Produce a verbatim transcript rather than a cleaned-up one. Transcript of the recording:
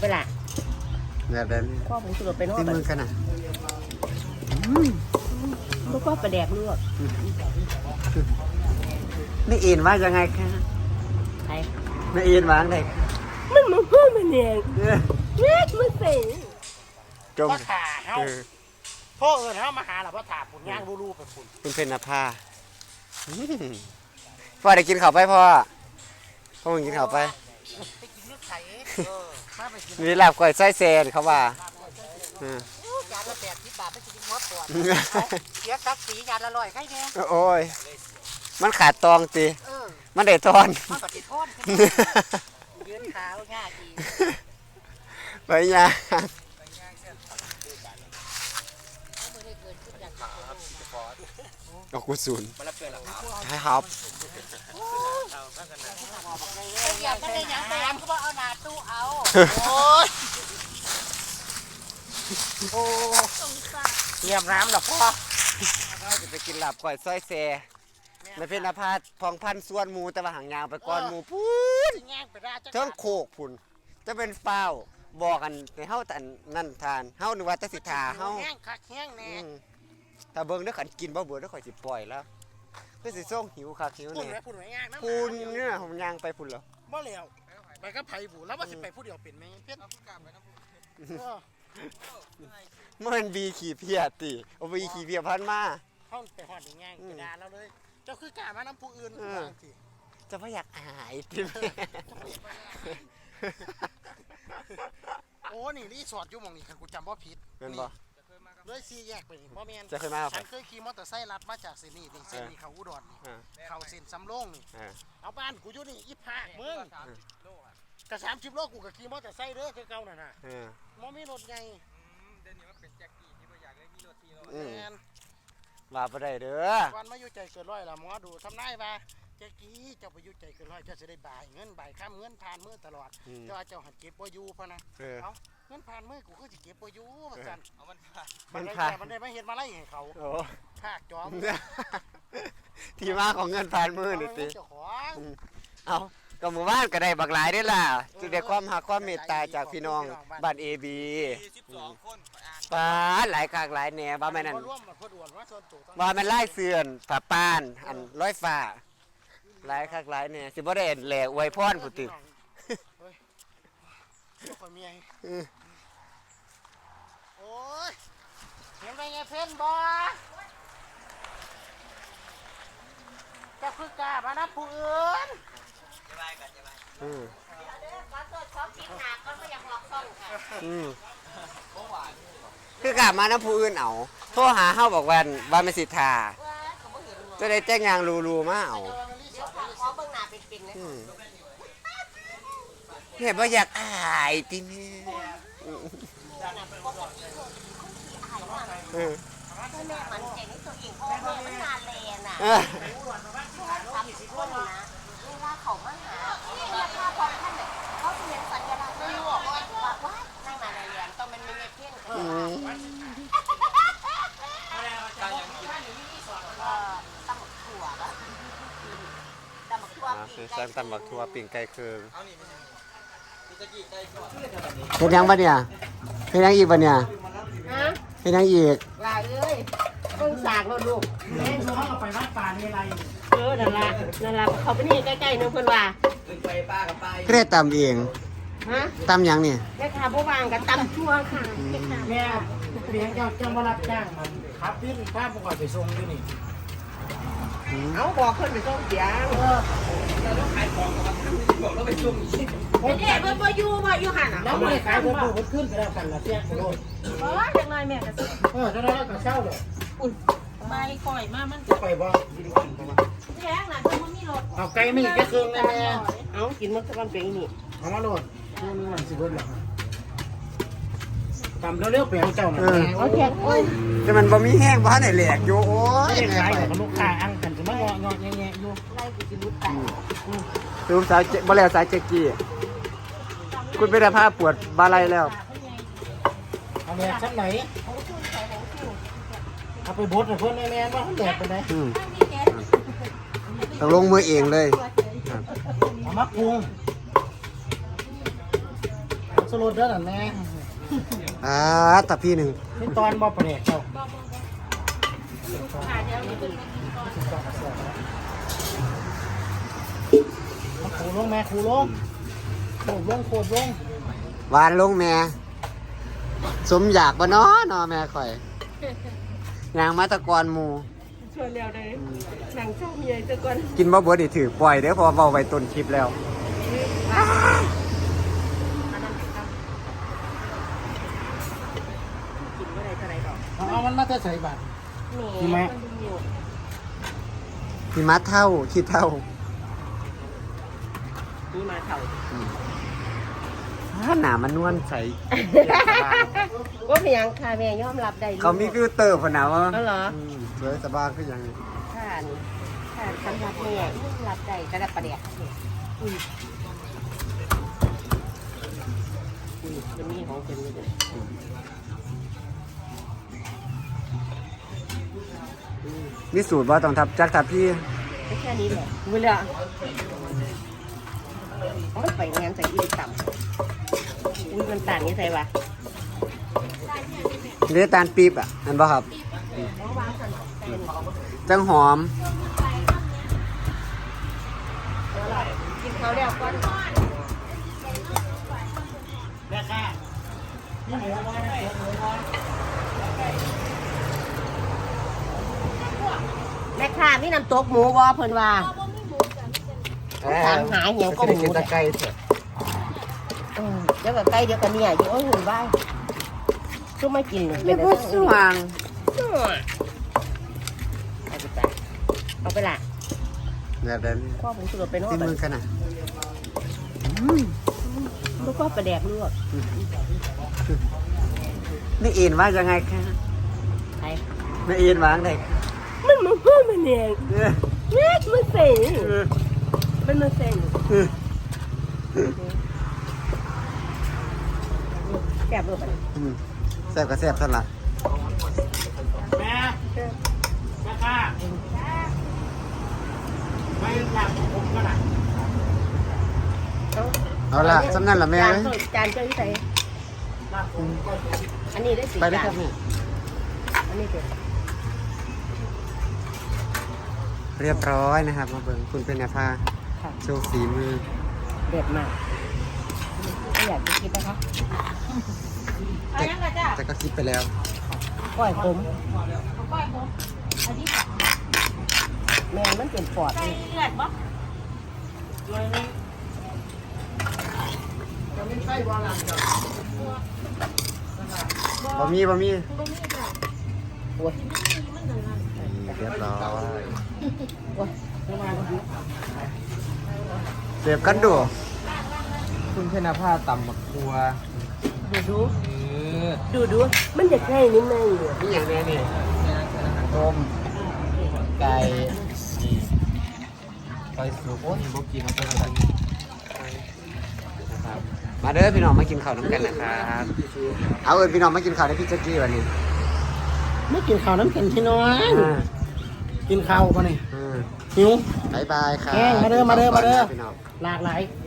ไปละแบบนั้นข้อผมสุดไปนอกที่มือกันอ่ะลูกก็ประแดกลวกไม่เอ็นว่ายังไงคะใครไม่เอ็นวางเลยมันมันพ่อมันเองเล็กมันเสียจมพ่อถ่าเฮาพ่อเอิญเฮามาหาหรอพ่อถ่าปุ่นย่างรูๆไปปุ่นคุณเพนนภาพ่อได้กินข้าวไปพ่อพ่อมึงกินข้าวไปไปกินnướcไข่มีลาบก้อยไส้แซนเขาว่าจานละแปดสิบบาทไม่กินมดปวดเสียกักสีจานละร้อยใครเนี่ยโอ้ยมันขาดตองตีมันได้ทอนมันก็ติดทอนยืนขาวง่ายดีไปยาเอากูศูนย์ใช่ครับอย่าไปเลยยังไปยังเขาบอกเอาหนาตู้เอาโอ้ยโอ้เยี่ยมน้ำหรอพ่อเราจะไปกินลาบก้อยซอยแซ่ไม่เป็นอาพาธพองพันส่วนหมูแต่ว่าหางยาวไปก้อนหมูพูนเทั้งโขกพุ่นจะเป็นเฝ้าบอกกันในเฮาแต่นั่นทานเฮานึกว่าจะสิทาเฮาแห้งคักแห้งแน่ถ้าเบิ่งเด้อขันกินบ่เบื่อเด้อข่อยสิปล่อยแล้วคือสิส่งหิวคักหิวแน่พุ่นไว้ย่างนะพุ่นเนี่ยผมย่างไปพุ่นแล้วบ่แล้วไปก็ไผบูแล้วว่าสิไปผู้เดียวเป็นมั้ยเพิ่นมันบีขี่เพียติเอาบีขี่เพียพันมาห้องไปหอดอย่างง่ายกระดาเราเลยเจ้าคือกล้ามาน้ำผู้อื่นจะไม่อยากอายติโอ้นี่รีสอร์ทอยู่หม่องนี้คันกูจำบ่ผิดเป็นบ่เลยซีแยกไปนี่บ่แม่นจะเคยมาฉันเคยขี่มอเตอร์ไซค์ลัดมาจากเส้นนี้นี่เส้นนี้เขาอุดรนี่เขาเส้นสำโรงนี่เอาบ้านกูอยู่นี่อีพามึงกระสามสิบโลกูก็ขี่มอเตอร์ไซค์เด้อคือเก่าน่ะน่ะบ่มีรถใหญ่เดี๋ยวนี้ว่าเป็นแจ็คกี้ที่บ่อยากได้มีรถที่รถแม่นว่าบ่ได้เด้อวันมาอยู่ใจเกินร้อยล่ะหมอดูทำนายว่าแจ็คกี้เจ้าไปอยู่ใจเกินร้อยเจ้าจะได้บ่ายเงินบ่ายค่ำเงินผ่านมือตลอดเจ้าเจ้าหัดเก็บบ่อยู่พะนะเอ้าเงินผ่านมือกูก็สิเก็บบ่อยู่ว่าซั่นเอามันผ่านมันผ่านมันได้มาเฮ็ดมาไล่ให้เขาโอ้ภาคจอมที่มาของเงินผ่านมือนี่ติเจ้าของเอาก็หมู่บ้านก็ได้บักหลายได้ล่ะจึงได้ความหักความเมตตาจากพี่น้องบ้าน เอ บีสิบสองคนป้าหลายคากหลายแหน่ว่าแม่นั่นว่ามันไล่เสื่อนฝาป้านอันร้อยฟ้าหลายคากหลายแหน่สิบ่ได้แหล่อวยพรผู้ติโอ้ยเห็นไปไงเพิ่นบ่จะคือกล้ามานะผู้อื่นจะไปกันจะไปอืมขอโทษขอกินหนักก็ไม่อยากหลอกซ่องค่ะอืมคือกล้ามานะผู้อื่นเอาโทรหาเฮาบอกว่าว่าไม่สิทาจะได้แจ้งยางรูๆมาเอาขอเบิ่งหน้าเป็นๆเลยเนี่ยบ่อยากอายติแม่เออแม่มันใจในตัวเองเพราะว่ามันนานแลน่ะทำสิคนนะเวลาเขามาหาเวลาพอท่านเนี่ยเขาเห็นสัญลักษณ์ไม่รู้ว่าว่าในมาในเรียนต้องมันมีเงี้ยเพี้ยนตั้งอย่างกินตั้งหมกถั่วแล้วตั้งหมกถั่วคือสร้างตำบักทั่วปิ่งไก่เคืองเห็นยังปะเนี่ยเห็นยังอีกปะเนี่ยฮะเห็นยังอีกลาเอ้ยต้องสากเราลูกแม่เขาเอาไปวัดป่าในไรเออนั่นละนั่นละเขาไปนี่ใกล้ๆนึงเพิ่นว่าไปป้ากับไปเรียกตำเองฮะตำยังเนี่ยแม่ค้าผู้วางกับตำชั่วค่ะแม่เลี้ยงเจ้าเจ้ามารับจ้างมันขับพี่ป้าประกอบไปส่งที่นี่เอาบอกคนไปส่งเสียงเออเราต้องขายของกับมันบอกเราไปส่งอีกเด็กเบิ่งบ่อยู่บ่อยู่หั่นน่ะแล้วไม่ขายเพิ่นเพิ่นขึ้นไปแล้วกันละเสียโลดเออจังหน่อยแม่ก็สิเออจังได๋ก็เช้าเลยอุ่นใบข่อยมามันจะไปบ่แพงน่ะเพิ่นบ่มีรถเอาไก่ไม่แค่ครึ่งนะแม่เอากินมันสักวันเป็นนี่เอามาโลดนี่นี่มันสิเบิดแล้วตำเร็วๆไปเอาเจ้าน่ะเอาแค่โอ้ยแต่มันบ่มีแห้งบ่ทันได้แหลกอยู่โอ้ยแม่ไปกับลูกค้าอังกันสิมางอๆแงะๆอยู่ไล่กูสิรุดตายดูสายบ่แล้วสายเจ๊กี้คุณเป็นภาพปวดบาไหล่แล้วเอาแม่ชั้นไหนเอาไปบดให้เพิ่นแม่ๆว่าเพิ่นแดดไปไหนต้องลงมือเองเลยเอามาปรุงสสโลดเด้อนั่นแม่อ่าตะพี่หนึ่งนี่ตอนบ่ประเด็กเจ้าครูลงแม่ครูลงโคตรลงโคตรลงหวานลงแม่สมอยากบ่เนาะเนาะแม่ข่อยยางมาตะกอนหมูชวนแล้วได้หนังเจ้าเมียจะก่อนกินบ่เบิดนี่ถือปล่อยเด้อเพอเบาไว้ต้นคลิปแล้วกินเมื่อไรเท่าไรดอกเอามันมาจะใส่บาทนี่ไหมหิมะเท่าคิดเท่านี่มาเถ่าถ้าหนามันนวลใสว่าเพียงค่ะแม่ยอมรับได้เขามีฟิลเตอร์พอหนาวะก็เหรออืมสวยสบายคือหยังนี้ค่ะนี่ค่ะสำหรับแม่ยอมรับได้กระดับประเดี๋ยวอุ้ยอุ้ยจะมีของเป็นเลยมีสูตรว่าต้องทับจักทับพี่แค่นี้แหละเวลาไม่ไปงานใส่อีกต่ำอุ้ยมันต่างยังไงวะเรียกตาลปี๊บอ่ะนั่นป่ะครับ จังหอมกินเขาเรียกก้อนแม่ค่ะนี่หมูน้อยนะหมูน้อยแม่ค้ามีน้ำตกหมูวอเพิ่นว่า ถามหาเหี่ยวก็หมูกินตะไคร้เถอะเออเดี๋ยวกับไก่เดี๋ยวกับเนี่ยอยู่โอ้ยหุ่นบ้ายก็ไม่กินเลยเรียกว่าสว่างเอาไปจ้ะเอาไปละแบบนั้นข้อผมสุดไปนอกที่ไปมือกันอ่ะแล้วก็ประแดกลวกนี่เอ็นว่ายังไงคะใครไม่เอ็นวางได้มันมันเพิ่มมันเองเออแม่มันเซ็งเออมันมันเซ็งเออแซ่บด้วยปะเนี่ยอืมแซ่บก็แซ่บสั่นละแม่แม่ค่ะไม่หลับผมก็หลับเอาเอาละสำนั่นละแม่จานเอ้ยเท่าจานเจ้าที่ใส่อันนี้ได้สี่ไปเลยจาคน รับแม่อันนี้เป็นเรียบร้อยนะครับ มาเบิ่งคุณเป็นแนวผ้าค่ะโชว์ฝีมือเด็ดมากไม่อยากจะคิดนะคะแต่แต่ก็คิดไปแล้วก้อยขมแมงมันเป็นปอดนี่บะหมี่บะหมี่โอ้ยเรียบร้อยโอ้ยเสียบกันดูคุณเพนภาต่ำหมักครัวดูดูเออดูดูมันอยากให้นิดนึงอยู่นี่อย่างนี้นี่ต้มไก่นี่ไก่สุกโอ้ยบกินเอาไปทำมาเด้อพี่น้องมากินข้าวน้ำกันนะครับ เอาเอิญพี่น้องมากินข้าวได้พี่แจ๊กกี้วันนี้ไม่กินข้าวน้ำกันพี่น้อยอ่ากินข้าวป่ะนี่อืมหิวบายบายครับแกงมาเด้อมาเด้อมาเด้อพี่น้องหลากหลายอ